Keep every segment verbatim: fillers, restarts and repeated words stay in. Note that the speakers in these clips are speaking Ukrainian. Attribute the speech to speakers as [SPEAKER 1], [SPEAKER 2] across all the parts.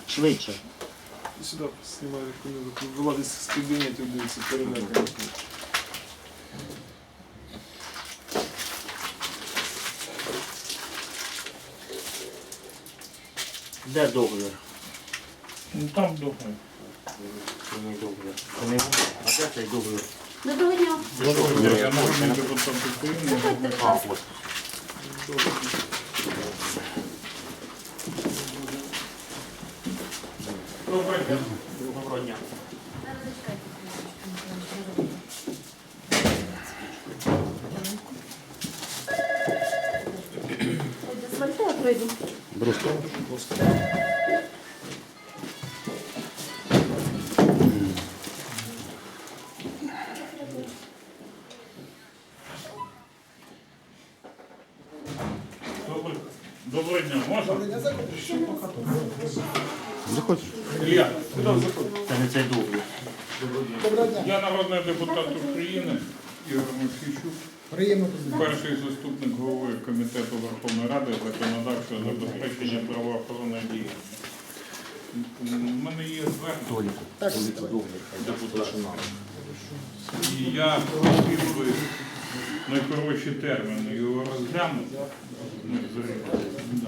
[SPEAKER 1] Швидше.
[SPEAKER 2] І сюди знімаю рекомендую. Вилазить з кабінетів, дивиться, перелякані.
[SPEAKER 1] Де договір?
[SPEAKER 3] Ну там договір.
[SPEAKER 1] Це не договір. Це не воно. А де цей договір?
[SPEAKER 4] Доброго дня.
[SPEAKER 3] Договір, я народний депутат України.
[SPEAKER 1] А, ось.
[SPEAKER 3] Доброго дня.
[SPEAKER 1] Доброго дня.
[SPEAKER 4] Дозвольте, я пройду.
[SPEAKER 3] Доброго- Доброго дня. Можна?
[SPEAKER 1] Заходь.
[SPEAKER 3] Ілля,
[SPEAKER 1] Це не цей договір.
[SPEAKER 3] я народний депутат України Ігор Мосійчук, перший заступник голови Комітету Верховної Ради законодавчого забезпечення правоохоронної діяльності. У мене є звернення депутата. І я хотів би в найкоротші терміни його розглянути. Ну, зараз.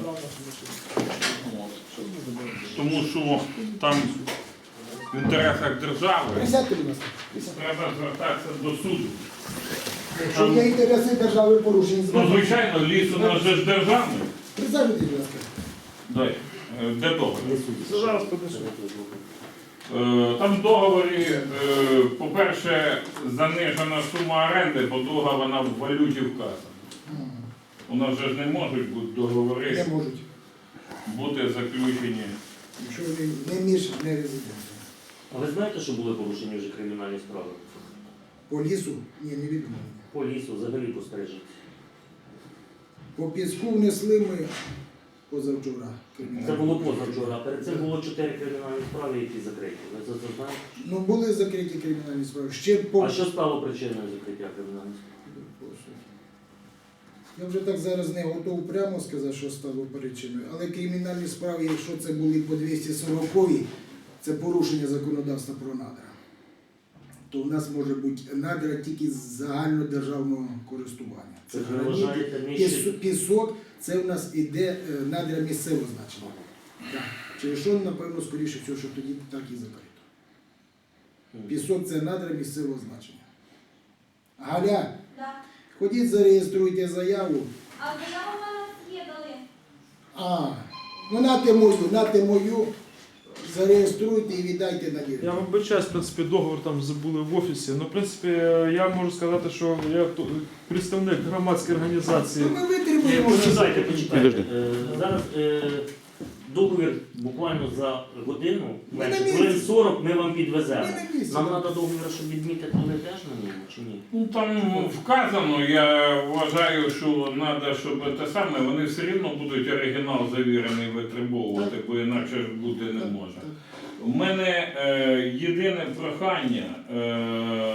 [SPEAKER 3] Тому що там в інтересах держави треба звертатися до суду.
[SPEAKER 5] Якщо є інтереси держави порушені,
[SPEAKER 3] Ну, звичайно, ліс у нас же ж державний.
[SPEAKER 5] присаджуйтесь, будь ласка.
[SPEAKER 3] Дай. Е, Де договір?
[SPEAKER 2] Зараз подивимося.
[SPEAKER 3] Е, Там в договорі, е, по-перше, занижена сума оренди, по договору вона в валюті вказана. У нас же ж не можуть бути договори
[SPEAKER 5] Не можуть.
[SPEAKER 3] бути заключені.
[SPEAKER 5] Якщо вони не між не резиденти.
[SPEAKER 1] А ви знаєте, що були порушені вже кримінальні справи?
[SPEAKER 5] По лісу? Ні, не відомо.
[SPEAKER 1] По лісу, взагалі по стрижі.
[SPEAKER 5] По піску внесли ми позавчора.
[SPEAKER 1] Це було позавчора, а перед цим було чотири кримінальні справи, які закриті. Ви це це знаєте?
[SPEAKER 5] Ну, були закриті кримінальні справи. Ще по...
[SPEAKER 1] А що стало причиною закриття кримінальних справ?
[SPEAKER 5] Я вже так зараз не готов прямо сказати, що стало причиною. Але кримінальні справи, якщо це були по двісті сороковій, це порушення законодавства про надра. То в нас може бути надра тільки з загальнодержавного користування. Це
[SPEAKER 1] Ви
[SPEAKER 5] граніт,
[SPEAKER 1] вважаєте нижче?
[SPEAKER 5] піс- пісок, це в нас іде е, надра місцевого значення. Так. Через що, напевно, скоріше всього, що тоді так і закрито. Пісок це надра місцевого значення. Галя,
[SPEAKER 4] Да.
[SPEAKER 5] ходіть, зареєструйте заяву.
[SPEAKER 4] А заяву в мене є дали.
[SPEAKER 5] А, ну нате мою, нате мою, зареєструйте і віддайте на ділянку.
[SPEAKER 2] Я вибачаюсь, в принципі, договор там забули в офісі. Ну, в принципі, я можу сказати, що я ту- представник громадської організації.
[SPEAKER 5] Ну, ми
[SPEAKER 1] Ні,
[SPEAKER 5] витримуємо.
[SPEAKER 1] почекайте, почекайте. Е, Зараз е, договір буквально за годину, менше
[SPEAKER 5] на
[SPEAKER 1] хвилин
[SPEAKER 5] місці.
[SPEAKER 1] сорок ми вам підвеземо.
[SPEAKER 5] Ми на місці.
[SPEAKER 1] Нам треба договір, щоб відмітити ви теж на ньому, чи ні?
[SPEAKER 3] Ну там вказано, я вважаю, що треба, щоб те саме, вони все рівно будуть оригінал завірений витребовувати, бо інакше ж бути не може. У мене е, єдине прохання е,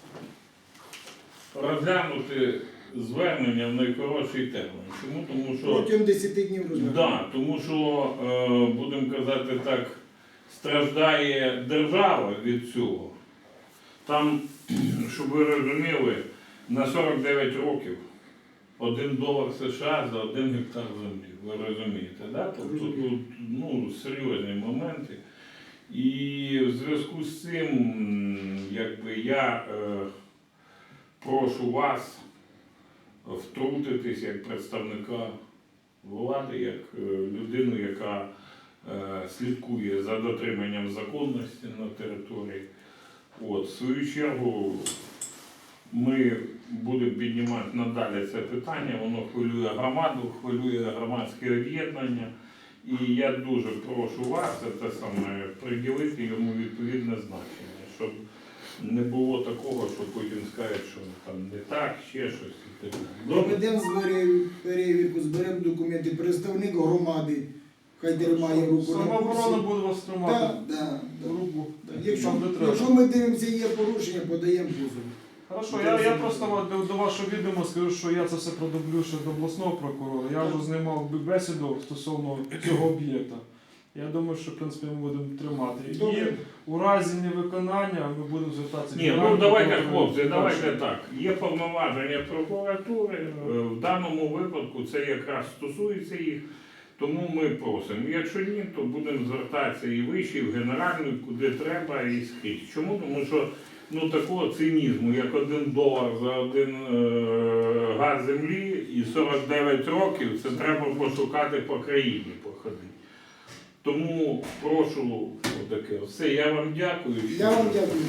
[SPEAKER 3] розглянути звернення в найкоротший термін. Чому? Тому що
[SPEAKER 5] Протягом десяти днів розгляду.
[SPEAKER 3] Да, тому що, е, будемо казати так, страждає держава від цього. Там, щоб ви розуміли, на сорок дев'ять років один долар США за один гектар землі. Ви розумієте, да? Тобто тут ну, серйозні моменти. І в зв'язку з цим, якби я е, прошу вас втрутитись як представника влади, як е, людину, яка е, слідкує за дотриманням законності на території. От, в свою чергу ми будемо піднімати надалі це питання, воно хвилює громаду, хвилює громадське об'єднання. І я дуже прошу вас це саме приділити йому відповідне значення, щоб не було такого, що потім скажуть, що там не так, ще щось. і так далі.
[SPEAKER 5] Проведемо з перевірку, зберемо документи, представник громади, хай тримає руку на
[SPEAKER 2] Самооборона
[SPEAKER 5] курсі.
[SPEAKER 2] буде вас тримати.
[SPEAKER 5] Так, так, так.
[SPEAKER 2] Руку.
[SPEAKER 5] Якщо,
[SPEAKER 2] Там, де треба.
[SPEAKER 5] якщо ми дивимося, є порушення, подаємо позов.
[SPEAKER 2] Хорошо, я, я просто до, до вашого відома скажу, що я це все продублю ще до обласного прокурора. Я вже з ним мав би- бесіду стосовно цього об'єкта. Я думаю, що в принципі ми будемо тримати. І
[SPEAKER 5] Добре.
[SPEAKER 2] у разі невиконання ми будемо звертатися.
[SPEAKER 3] Ні, ну давайте, хлопці, давайте так. Є повноваження прокуратури, е, в даному випадку це якраз стосується їх, тому ми просимо. Якщо ні, то будемо звертатися і вище, і в Генеральну, і куди треба, і скрізь. Чому? Тому що ну, такого цинізму, як один долар за один е, газ землі і сорок дев'ять років, це треба пошукати по країні походити. Тому прошу отаке. Все, я вам дякую.
[SPEAKER 5] Я вам дякую.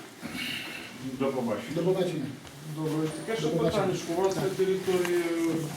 [SPEAKER 3] До побачення.
[SPEAKER 5] До побачення.
[SPEAKER 2] Добре, таке ще
[SPEAKER 5] До побачення.
[SPEAKER 2] питання, що у вас на території